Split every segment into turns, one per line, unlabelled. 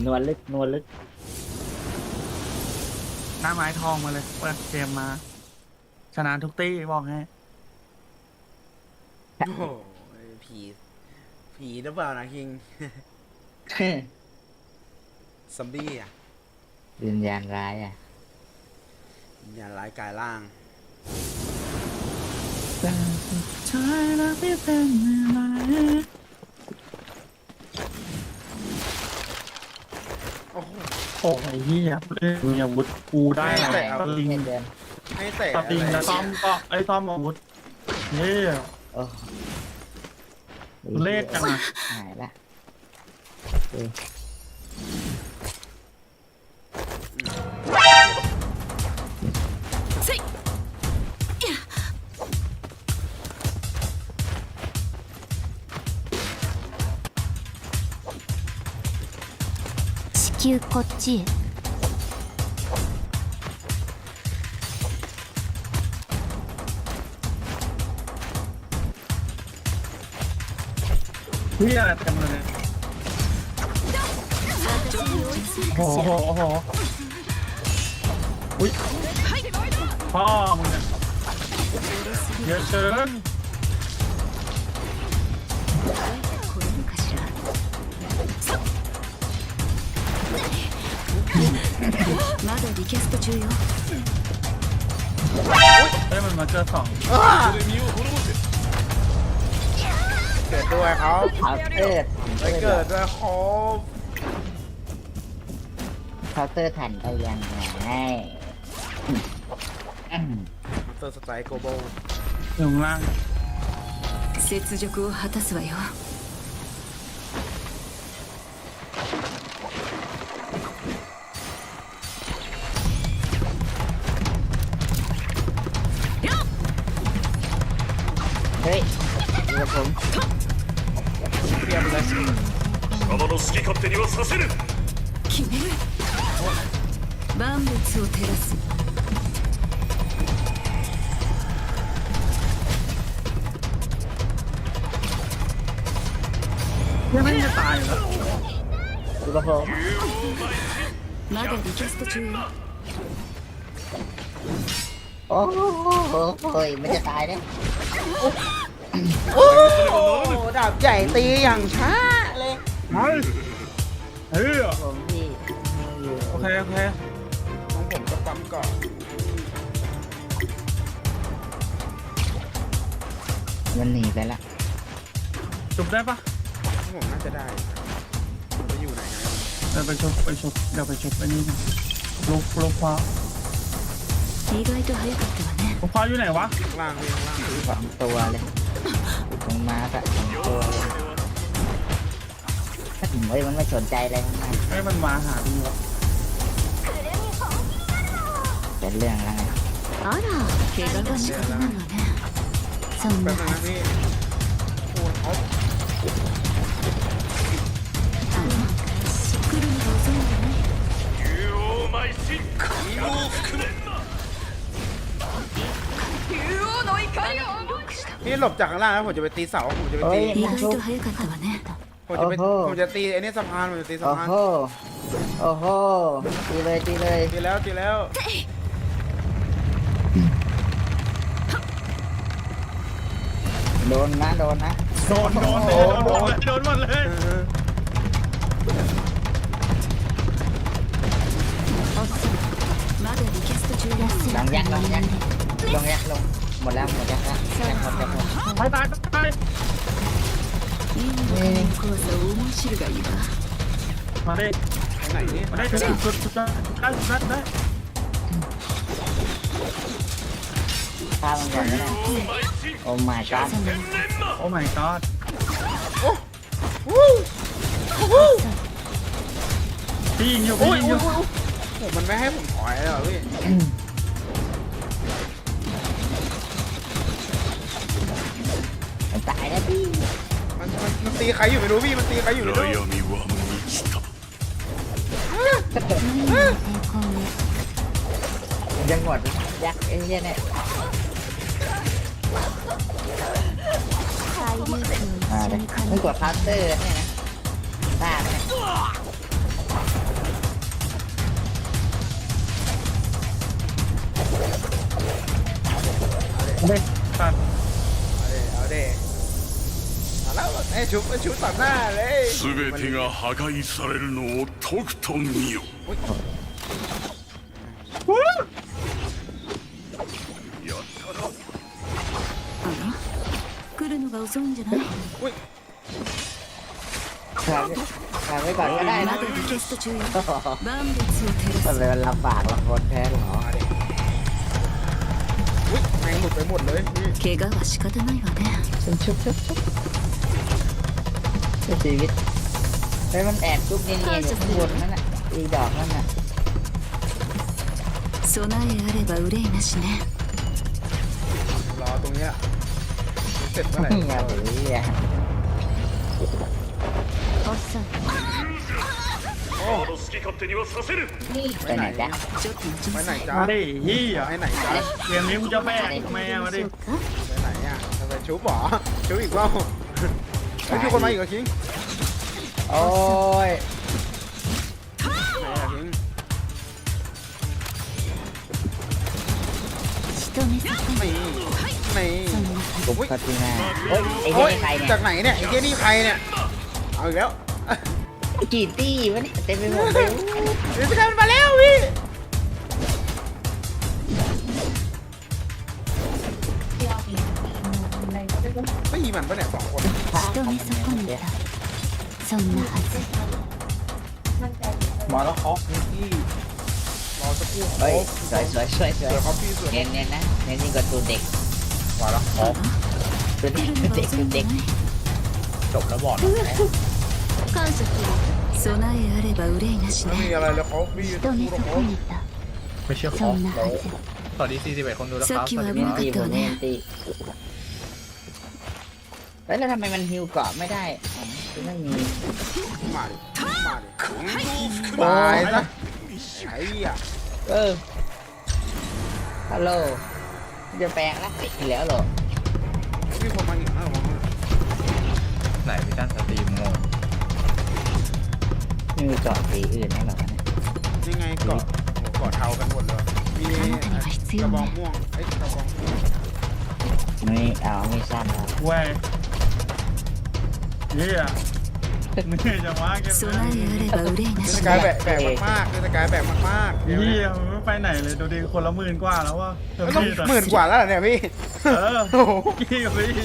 นวลลึกนวลลึก
หน้าไม้ทองมาเลยเปิดเกมมา ชนะทุกตี้บอกให้
โอ้โหผีหรือเปล่านะคิงซอมบี้อ่ะ
วิญญาณร้ายอ่ะ
อย่าร้ายกายร่าง
แต่สุดท้ายแล้วไม่เป็นอะไร
โอ้โห
โอ้ยเหี้ยเล่นมีอาวุธกูได้
ไม่
แห
แต่
ละ
เอา
ตะลิง
ให้เดิน
ให้เตะ
ตะลิง
อะไร
แล้วต้อมก็ไอ้ต้อมอาวุธเฮ้ย
โอ้
เลขจังอะ
หายละเออ
地球こっちへ
เฮียอะไรเต็มเลยเนี่ยโอ้โหโอ้โหอุ้ยพ่อมึงเนี่ยเยอะเกิน
これるかしらまだリキャスト中よ
เฮ้ยมันมาเจอสอง
เกิดด้วยเขา
เคาน์เตอร์
ไปเกิดด้วยเขา
เคาน์เตอร์ทันไปยังไง
มาเตอร์สไตล์โกโบ
อยู่ข้างล่าง
雪辱を果たすわよ
เฮ้ยดูกับผม
เตรียมเลย
仲間の好き勝手にはさせぬ
決める万物を照らす
ยังไม่จะตายอยู่แล้ว
ดูกับผม
まだリキャスト中よ
โอ้โหมันจะตายเนี่ย
โอ้ดาบใหญ่ตีอย่างช้าเลย
เฮ้ยเฮ้ย
ผมที่อยู่
โอเคโอเค
ของผมก็ปั๊มก่อน
มันหนีไปละ
จุบได้ปะ
ของผมน่าจะได้ผมจะอยู่ไหนนะ
เดี๋ยวไปชุบเดี๋ยวไปชุบไอ้นี่นะลูกฟ้า
意外と早かったわね
ลูกฟ้าอยู่ไหนวะ
ข้างล่างพี่ข้างล่าง
สองตัวเลยตรงมาสะสองตัวเลยถ้าถึงเฮ้ยมันไม่สนใจเลยมัน
ให้มันมาหาดีวะ
เป็นเรื่องแล้วไง
あら怪我が仕方なのねそん
แป๊
な
บนึงนะพี่โอ้เขา
あの来るのが遅いんだね
竜王邁進神を含め
พี่หลบจากข้างล่างแล้วผมจะไปตีเสาผมจะไปตี
意外と早かったわね
ผมจะตีไอ้นี่สะพานผมจะตีสะ
โอ้
พาน
โหโอ้โหตีเลยตีเลย
ตีแล้วตีแล้ว
โดนนะโดนนะ
โดนหมดเลย
まだリキャスト中よ
ลองยักษ์ลองยักษ์ลองยักษ์ลงหมดแล้วหมดยักษ์แล้วยักษ์หมดยักษ์หมด
ตาย
いいのかの怖さを思い知るがいいわ
มาดิ
ไปไหนนี่
มาได้ชุดได้
ฆ่ามันก่อนก็ได้โอ้ my god
โอ้ my god พี่ยิงอยู่
โอ้
พี่
ย
ยิงอยู่
โอ้มันไม่ให้ผมถอยเลยเหรอพี่
มันตายแล้วพี่
มันตีใครอยู่ไม่รู้พี่มันตีใครอยู่ไม่รู้
悩みは満ちた
何の抵抗ね
ยังหมดยักษ์ไอ้เหี้ยเนี่ย
海流空を
มา
一
เล
緒
ย
に感
มึง
じ
กดเคาน์เตอร์เนี่ยนะบ้าไหม
ไม่ตัด
เอาเด้เอาแล้วไอ้ชุบตัดหน้าเลย
全てが破壊されるのをとくと見よ。
来るのが遅いんじゃない？
ทำไว้ก่อนก็ได้
ま
นะ
だリクエスト中よ。万物を照
ทำไม
ら
มันลำบากลำบนแท้หรอ
อุ้ยแมงหลุดไปหมดเลยพี่
す。怪我は仕方ないわね。
ชุบชีวิตเฮ้ยมันแอบจุ๊บเนียนๆอยู่ข้างบนนั่นน่ะอีดอกนั่นน่ะ
備えあれば憂いなしね。
รอตรงเนี้ยเสร็จเมื่อไหร่
อย่าไปเรียก
おっさん、
あの好き勝手にはさせる。
ไปไหนจ๊ะ
ちょっと待ち
ไป
な
ไหน
さい。
จ้า
มาดิเฮีย
ไปไหนจ้า
เกมนี้มึงจะแบกแมวมาดิ
そうか。
ไปไหนอ่ะจะไปชุบหรอชุบอีกว่าไม่มีคนมาอีกเหรอคิง
โอ้ย
ไหนอ่ะคิง
人目そこに。
นี่
そんなは
ปุ๊บปฏิมาโอ้ยไอ้
โอ้
เหี้
ย
ยนี่ใครเนี่ย
จากไหนเนี่ยไอ้เจ้นี่ใครเนี่ยเอาอีกแล้ว
กี่ตี้วะเนี่ยเต็มไปหมดเลย
เดี๋ยวจะกลายเป็นมาแล้วพี่ตีมันปะเนี่ย2 คน
ず。人目そこにいた。そんなはず。
มาแล้วคอฟนี่
รอสักครู่
เฮ้ยสวย
สวยครับพี่สวย
เนียนๆนะเนียนยิ่งกว่าตัวเด็ก
มาแล้วคอฟ
ตัว
来
เด็ก
るの
เด็
が
ก
遅
ตัวย เด็ก
んじゃない？
จบแล้วบอกนะ
感謝する。備えあれば憂いなし
ไม่มี
ね。
อะไรแล้วเขาพี่
人目そこにいた。
ไม่เชื่อค
そ
อฟ
んな
เลย
はず。
สวัสดี41คนดูแล้วครับ
さっきは
สวัส
危
ดี
な
ค
か
รับ
ตี
っ
ผ
た
ม
わ
เนียน
ね。
ตีแล้วทำไมมันฮิวเกาะไม่ได้อ๋อคือไม่มี
มาดิมาดิ
混合服
ตายซะไอ้เหี้ย
ฮัลโหลจะแปลงละติดแล้วเหรอ
มีคนมาอีกนะระวังนะ
ไหนพี่จ้านสตรีมงง
ไม่มีเกาะสีอื่นให้หรอเนี่ย
ยังไงเกาะโอ้เกาะเทากันหมดเลยมีกระบองม่วงไอ้กระบอง
ไม่เอาไม่สั้นครับ
เว้ยเฮียเหนื่อยจังวะเกม
備えあれば憂いな
เท
し
ศกาล
ね。
แบกมากๆเทศกาลแบกมากๆ
เฮียมันไม่ไปไหนเลยดูดิคนละ10,000กว่าแล้ววะ
ไม่ต้อง10,000 กว่าแล้วเหรอเนี่ยพี่
เออ
โอ้โห
กี้กับพี่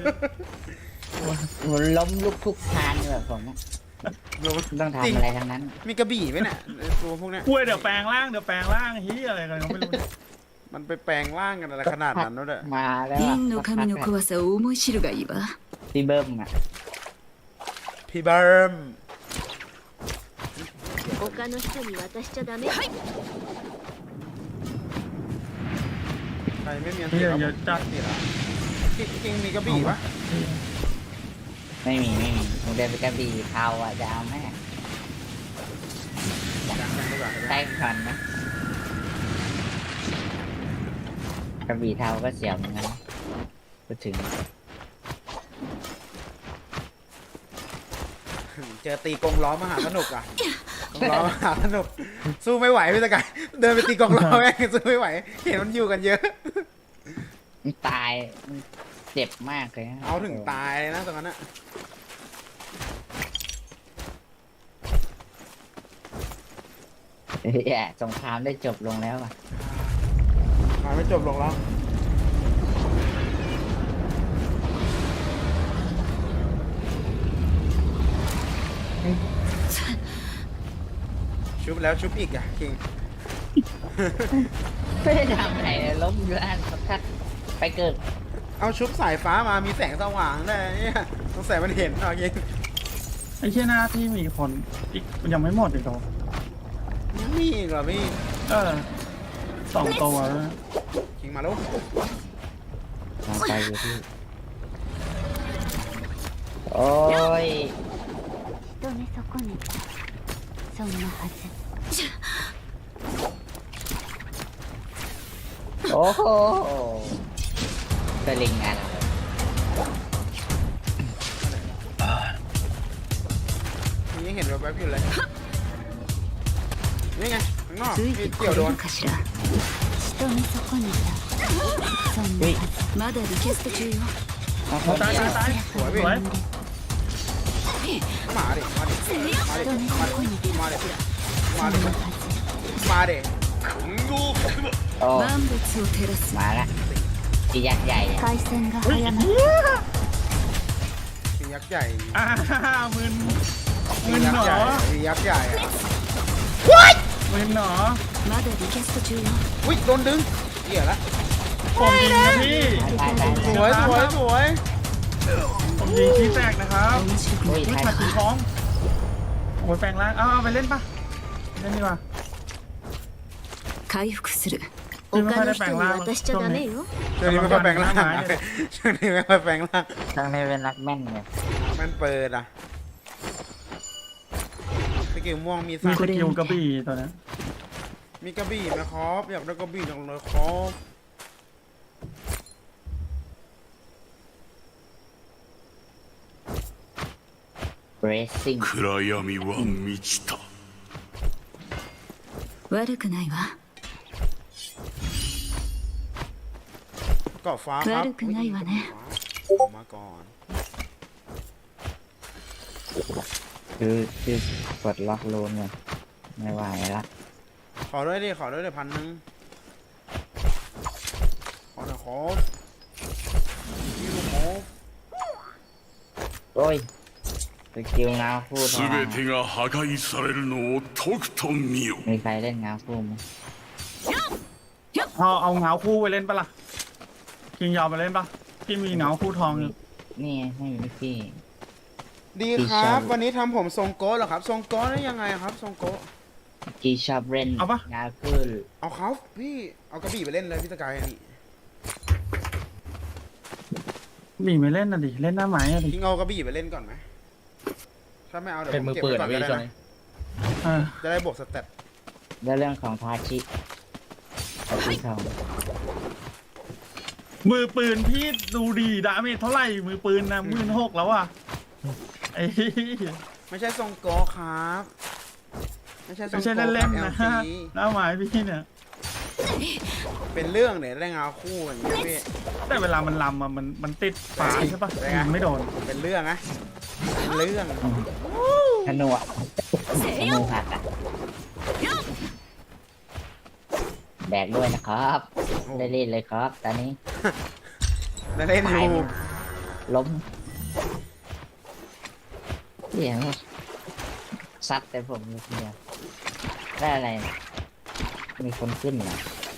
มันล้มลุกทุกทางเลยแบบผมอะต้อง
จริง
ทำอะไรทั้งนั้น
มีกระบี่ไหมเนี่ยไอ้ตัวพวกเนี้ย
กล้วยเดี๋ยวแปลงร่างเฮียอะไรกันก็ไม่รู้
มันไปแปลงร่างกันอะไรขนาดนั้นวะเนี่ย
มาแล้วอะ
銀の神の怖さを思い知るがいいわ。
พี่เบิ้มอ่ะ
พี่เบิร์ม
他の人に渡しちゃダメ。
ใครไม่มีอัน
เฮี
ติ
ย
แล้ว
เยอะจัด
ติดอ่ะจริงมีกระบี่ปะ
ไม่มีมึงเดินไปกระบี่เทาอ่ะจะเอาไหม
ยังดีกว่า
ใต้ควันนะกระบี่เทาก็เสียเหมือนกันนะพูดถึง
เจอตีกงล้อมหาสนุกอ่ะกงล้อมหาสนุกสู้ไม่ไหวพี่ตะกายเดินไปตีกงล้อแม่งสู้ไม่ไหว เห็นมันอยู่กันเยอะ
มันตายมันเจ็บมากเลยนะ
เอาถึงตายเลยนะตรงนั้นอะ
แย่สงครามได้จบลงแล้วอ่ะ
มาไม่จบลงแล้วชุบแล้วชุบอีกอ่ะคิง
ไม่ได้ทำอะไรเลยล้มอยู่อันสักไปเกิด
เอาชุบสายฟ้ามามีแสงสว่างได้วยเนี่ยสงสัยมันเห็นเอายิง
ไอ้เชี่ยหน้าที่มีคนอีกยังไม่หมดอีกเหรอ
ยังมีอีกเหรอพี่
2 ตัวแล้ว
คิงมาแล้ว
มาไปอยู่ที่โอ้ย
人目そこにいた。そんなはず。
โอ้โหสลิงอะไร
ยังเห็นแวบๆอยู่เลยนี่ไงข้างนอก
つい
มี
てこ
เกี่ยว
れ
โดน
るかしら。人
人見損ねたそんなはず
まだリクエスト中よ
เอาค
โอ้
น
ตายตายตาย
สวย
ส
พี่
วย
มาดิมาดิมาดิ
人見損ねた
มาดิมา
そ
ดิ
んなはず
มาดิ
混合含む
โอ้
万物を照らす
มาละจียักษ์ใหญ่เนี่ย
回線が
เฮ้ย
早ま
เหี้
る
ย
มียักษ์ใหญ่
อ่ามึน
มี
มึน
ยัก
หน
ษ์ใหญ่
อ
มียักษ์ใหญ่อะ
มึนหนอ
まだリクエスト中よ
อุ้ยโดนดึงเหี้ยละ
ผมยิงนะพี่
ตายตาย
สวยสวยสวย
ผมยิงขี้แตกนะครับ
面白く
โอ้
ない
ย
ไม่
ตาย
ขัดสีท้องโอ้ยแปลงร่างเอาไปเล่นปะเล่นดีกว่า
回復する
今
他の人に渡しちゃダメよ
ช่วงนี้ไม่ค่อยแปลงร่างช่วงนี้ไม่ค่อยแปลงร่าง
ทั้งนี้เป็นนักแม่นเนี่ย
มันเปิดอ่ะสกิลม่วงมี
มี
สาม
สกิลกระบี่ตัวนั้น
มีกระบี่ไหมครับอยากได้กระบี่จังเลยครับ
เรซซิ่ง
暗闇は満ちた
悪くないわ
เกาะฟ้าครับ
悪くないわね
มาก่อน
คือกดล็อกรูนเนี่ยไม่ไหวละ
ขอด้วยดิขอด้วยดิ1,000ขอหน่อยครับนี่ลูกหมู
โอ้ยสกิลเงาคู่ทอง
全てが破壊されるのをとくと見よ
มีใครเล่นเงาคู่ไหม
เอาเงาคู่ไปเล่นปะล่ะคิงยาวไปเล่นปะพี่มีเงาคู่ทองอยู่
นี่ไม่มีพี่
ดีครับ วันนี้ทำผมทรงโก้เหรอครับทรงโก้ได้ยังไงครับทรงโก้
จีชอบเล่น
เอาปะ
เงาคู่
เอาเขาพี่เอากระบี่ไปเล่นเลยพี่ตะกายนี่
มีไม่เล่นน่ะดิเล่นหน้าไม้อ่ะดิ
ทิ้งเอากระบี่ไปเล่นก่อนไหมถ้าไม่เอาเดี๋ยว
เป็น
ผม
มือ
เก็บ
ปืน
ไว้ก่อน
อะ
ก็
พี่
ได้
ช่วง
นะ
นี้
เออ
จะได้บวกสเตต
แล้วเรื่องของทาชิกับพี่ทอง
มือปืนพี่ดูดีดาเมจเท่าไหร่มือปืนนะ16,000แล้วอ่ะไอ้เหี้ย
ไม่ใช่ทรงโก้ครับไม่ใช่ทรง
ไม่ใช่
โก้
เล่นๆ
ครั
นะ
บ LG
หน้าไม้พี่เนี่ย
เป็นเรื่องเนี่ยได้เงาคู่อย่างเงี้ยพี่
แต่เวลามันลำอ่ะมันติดฝาใช่ปะ
ได้ไง
ยิงไม่โดน
เป็นเรื่องนะเป็นเรื่อง
ธนูอ่ะธนูหักอ่ะแบกด้วยนะครับได้เล่นเลยครับตอนนี้
ได้เล่นอ
ตาย
ยู่
ล้มเดี๋ยวซัดแต่ผมเลยทีเดียวได้อะไรเนี่ยมีคนขึ้นเหรอ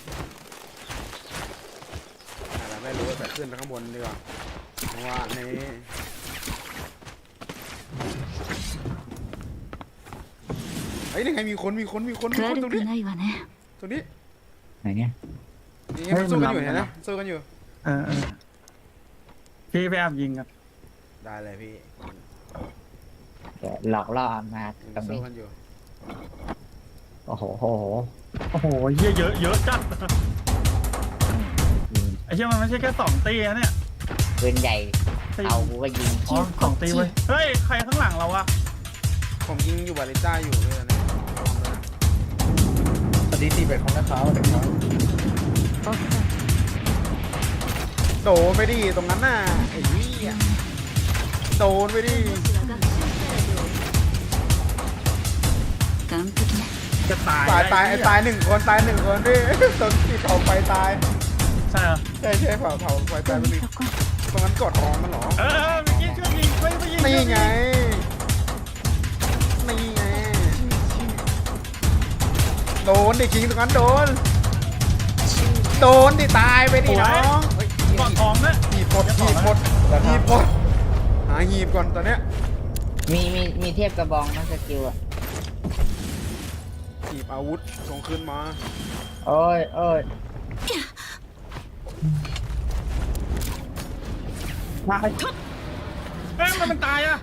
อะไรไม่รู้แต่ขึ้นไปข้างบนดีกว่าเพราะว่านี่เฮ้ยยังไงมีคนตรง
悪
นี้
くないわね
ตรงนี้
ไหนเนี่ย
นี่มันสู้กันอยู่เห็นนะสู้กันอยู่
เออพี่ไปแอบยิงกัน
ได้เลยพี่
เดี๋ยวหลอกล่อมาตรง
สู้
นี้
กันอยู่
โอ้โห
โอ้โหเหี้ยเยอะจัดไอ้เหี้ยมันไม่ใช่แค่2ตีนะเนี่ย
ปืนใหญ่
ตี
เอากูก็ยิง
อ๋อ2ตีเว้ยเฮ้ยใครข้างหลังเราอะ
ผมยิงอยู่บาริต้าอยู่เลยนะ
สวัสดีตีเป็ดของนักข่าวนะครับ
โดนไปดิตรงนั้นน่ะไอ้เหี้ยโดนไปดิ
完璧ね
จะตาย
ตายตายหนึ่งคนพี่ตรงที่เผาไฟตาย
ใช่เหรอ
ใช่เผาไฟตายไป
人
ดิ
見損ね
ตรงนั้นกดทองมันเหรอ
เออเมื่อกี้ช่วยยิงไม่ยิง
นี่ไงนี่ไงโดนดิคิงตรงนั้นโดนดิตายไปดิน้องเฮ้ย
กอดทองนะ
หีบหมดหาหีบก่อนตอนเนี้ย
มีเทียบกระบองนะสกิลอ่ะ
หีบอาวุธส่งคืนมา
โอ้ย
ตายเอ้ยมันตายอะ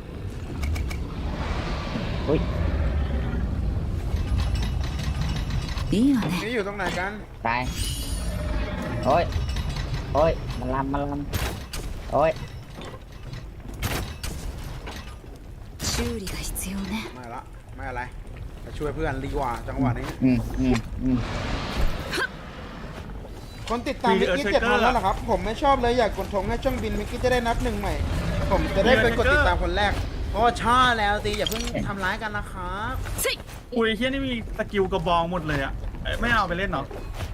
อุ้ย
いいわね
นี่อยู่ตรงไหนกัน
ตายโอ้ยมันลำโอ้ย
修理が必要ね
ไม่อะไรไปช่วยเพื่อนดีกว่าจังหวะนี้
อืม
คนติดตามมิกกี้7,000แล้วเหรอครับ ผมไม่ชอบเลยอยากกดธงให้ช่องบินมิกกี้จะได้นับหนึ่งใหม่ ผมจะได้เป็นกดติดตามคนแรกโอ้ชอบแล้วสิอย่าเพิ่งทำร้ายกันนะครับ
อุ้ยเฮียนี่มีสกิลกระบองหมดเลยอ่ะไม่เอาไปเล่นเหรอ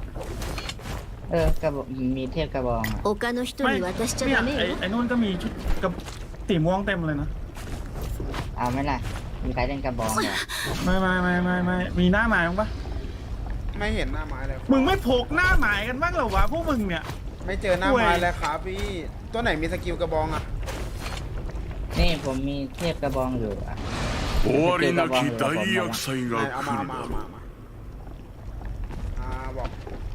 กระบอกมีเทพกระบองอ่ะ
他の人
ไม่
に渡しちゃ
เนี่ย
ダメよ
ไอ้นู่นก็มีชุดกับสีม่วงเต็มเลยนะ
เอาไหมล่ะ มีใครเล่นกระบองเหรอ
ไม่มีหน้าหมายมั้งปะ
ไม่เห็นหน้าไม้เลย
มึงไม่พกหน้าหมายกันบ้างเหรอวะพวกมึงเนี่ย
ไม่เจอหน้าไม้เลยครับพี่ตัวไหนมีสกิลกระบองอ่ะ
นี่ผมมีเทพกระบองอยู่อ่ะ
終わりなき大厄災
ไหน
が
เอา
来
มา
る
มา
だろ
มามาบอก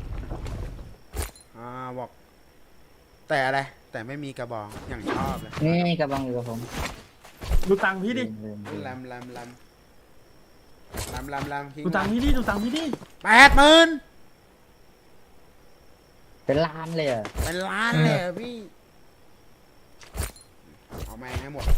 บอก แต่อะไรแต่ไม่มีกระบองอย่างชอบเลย
นี่กระบองอยู่กับผม
ดูตังค์พี่ดิ
ลืม
แรมคิง
ดูตังค์พี่ดิดูตังค์พี่ดิ
80,000
เป็นล้านเลยเหรอ
เป็นล้านเลยอะพี่เอาแม่งให้หมด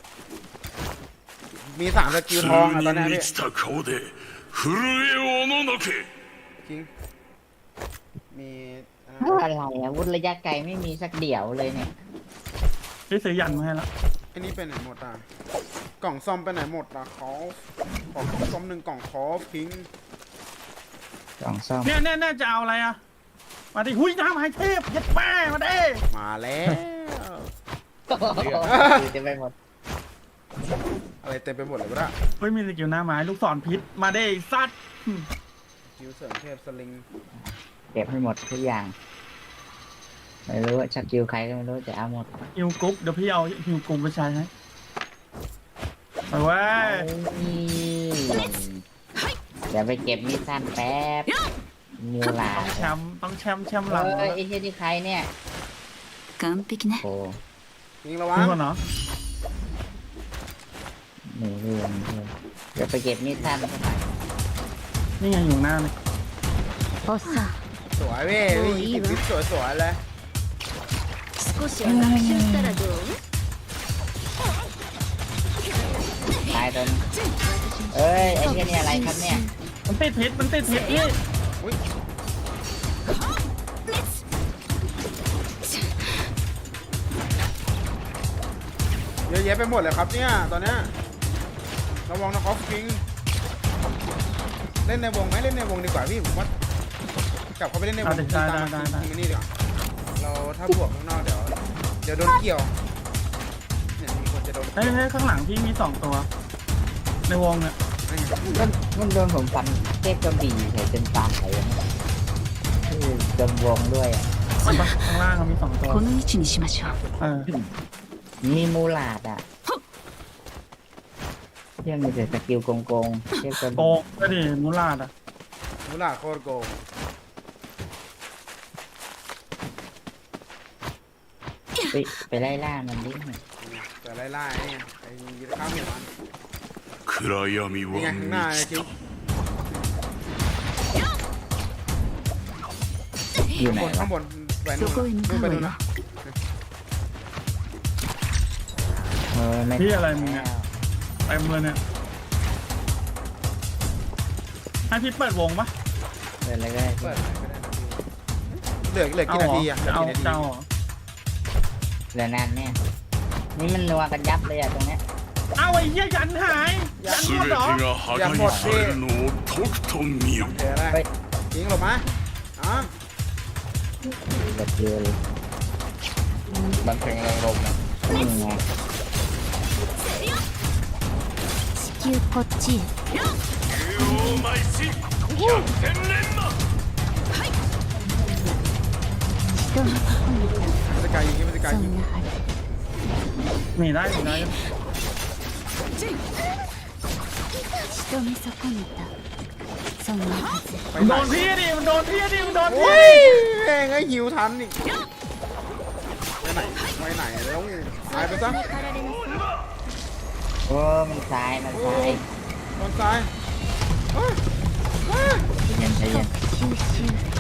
มี3สกิลทองอะตอนนี้
に満
พี่
ちた顔で震えおののけ
คิงมี
อะไรอาวุธระยะไกลไม่มีสักเดี่ยวเลยเนี่ย
พี่ซื้อยันมาให้ละ
อันนี้ไปไหนหมดอ่ะกล่องซ่อมไปไหนหมดอ่ะขอของซ่อม1กล่องขอพิง
กล่องซ่อม
เนี่ยจะเอาอะไรอ่ะมาดิหุ้ยหน้าหมายเทพยัดแม่มาดิ
มาแล้ว
เต็มไปหมด
อะไรเต็มไปหมดเลยวะเนี่ย
เฮ้ยมีสกิลหน้าหมายลูกศรพิษมาดิซัด
คิวเสริมเทพสลิง
เก็บให้หมดทุกอย่าง ไม่รู้ว่าชักกิวใครก็ไม่รู้จะเอาหมด
ฮิวกรุ๊ปเดี๋ยวพี่เอาฮิวกรุ๊ปไปใช้ให้ไปเว้ย
เดี๋ยวไปเก็บมีดสั้นแป๊บมูลา
ต้องแชมป์หลัง
เฮ้ยไอ้เหี้ยที่ใครเนี่ย
完璧ね
โอ้
ยิงระวัง
นี่ก่อนเนาะ
หนีเรื่องเดี๋ยวไปเก็บมีดสั้นเข้าไป
นี่ไงอยู่หน้าเลย
おっさん
สวยเว้ยยิงวิทสวยๆเลย
少しは学習したらどう
ตายตัวนึงเอ้ยไอ้เหี้ยนี่อะไรครับเนี่ย
มันติดพิษพี่
อุ้ยเยอะแยะไปหมดเลยครับเนี่ยตอนเนี้ยระวังนะคอฟคิงเล่นในวงไหมเล่นในวงดีกว่าพี่ผมว่ากลับเข้าไปเล่นในวงตามทีมนี่ดีกว่าเราถ้าบวกข้างนอกเดี๋ยวโดนเกี่ยวเนี่ยมีคนจะโดน
เฮ้ยข้างหลังพี่มี2ตัว ในวงเนี่ย
มันโดนผมฟันเทพกระบี่ใส่จนตายเลยจมวงด้วยอ่ะ
ข้างล่างเขามี2ตัว
この位置にしましょう
เออ
มีมูลาดอ่ะเที่ยมีแต่สกิลโกงเทพกระ
โก
บี่
งก็ดิมูลาดอ่ะ
มูลาโคตรโกง
ไปไล่ล่ามันดิ
แต่ไล่ๆเนี่ยไอ้ยีข้ามหัวมัน
暗闇
นี่
は
ไงข้างหน้า
満
ไอ้
ち
คิว
อยู่ไหน
ข้างบนแหวนนู่นนู่นไปนู่นนะ
ไม่
พี่อะไรมึงเนี่ยเต็มเลยเนี่ยให้พี่เปิดวงปะ
เปิดอะไรก็ได้
เปิดอะไรก็ได้นะเหลือกี่นาทีอ่ะเหลือ
เอา
กี่นาที
เจ้า
เหลือนานเนี่ยนี่มันนัวกันยับเลยอ่ะตรงเนี้ย
เอาไอ้เหี้ยยันหายยันหมด
全
เหรอ
てが破壊されるのをとくと見よ
เดี๋ยวอะไรยิงหลบมาอ๋อ
แบบเดียวเลย
มันเพลงแรงลมนะ
นี่ไง
地球こっちへ
竜王邁進百戦錬磨
人のとこにいた
พิจารยิงพิจาร
そ
ยิง
んなはず
หนีได้
仕留め損ねたそんなはず
ไป
มัน
ไห
โด
น
นพี่ดิมันโดนพี่ดิมันโดน
โอ้
พี่
ยแม่งไอ้หิวทันนี่ไปไหนแล้วหายไปซะ
โอ้มันซ้ายมันซ้าย
ตอนซ้าย
ใจเย็นใจเย็น
収集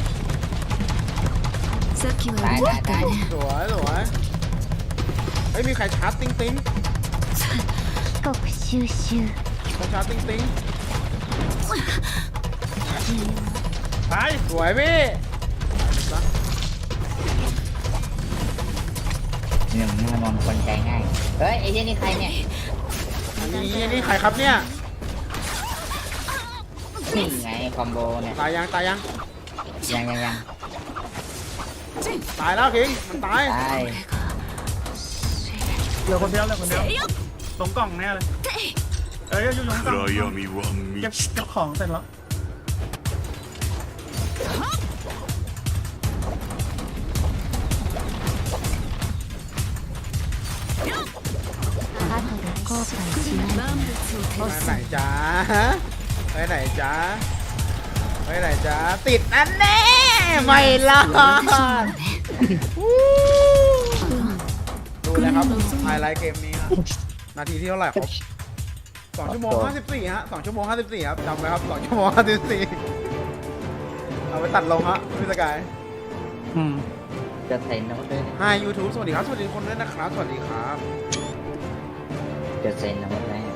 さっきは
ตาย
動
ตาย
い
ตา
た
ย
ね
สวยเฮ้ยมีใครชาร์จติ้ง
帰国収集
ใครชาร์จติ้ง
ไป
สวยพี่
หนึ่งมันมองคนใจง่ายเฮ้ยไอ้เหี้ยนี่ใครเนี่ย
อันนี้ใครครับเนี่ย
นี่ไงคอมโบเนี่ย
ตายยัง
ยัง
ตายแล้วคิงมันตาย
ตาย
เหลือคนเดียวตรงกล่องแน่เลยเอ้ยอยู่ตรงกล่อง
暗闇は
เก็บ
満ちた
ของเสร็จแล้ว
後で後悔しない
万物を照
ไป
らす
ไหนจ้าไปไหนจ้าไปไหนจ้าติดอันแน่ไม่รอดดูนะครับไฮไลท์เกมนี้ครับนาทีที่เท่าไหร่ครับ2 ชั่วโมง 54ฮะ2 ชั่วโมง 54ครับจำไว้ครับ2 ชั่วโมง 54เอาไปตัดลงฮะพี่สกาย
จะใส่โน้ตด้วย
Hi YouTube สวัสดีครับ สวัสดีทุกคนด้วยนะครับ สวัสดีครับ
จะใส่โน้ตไว้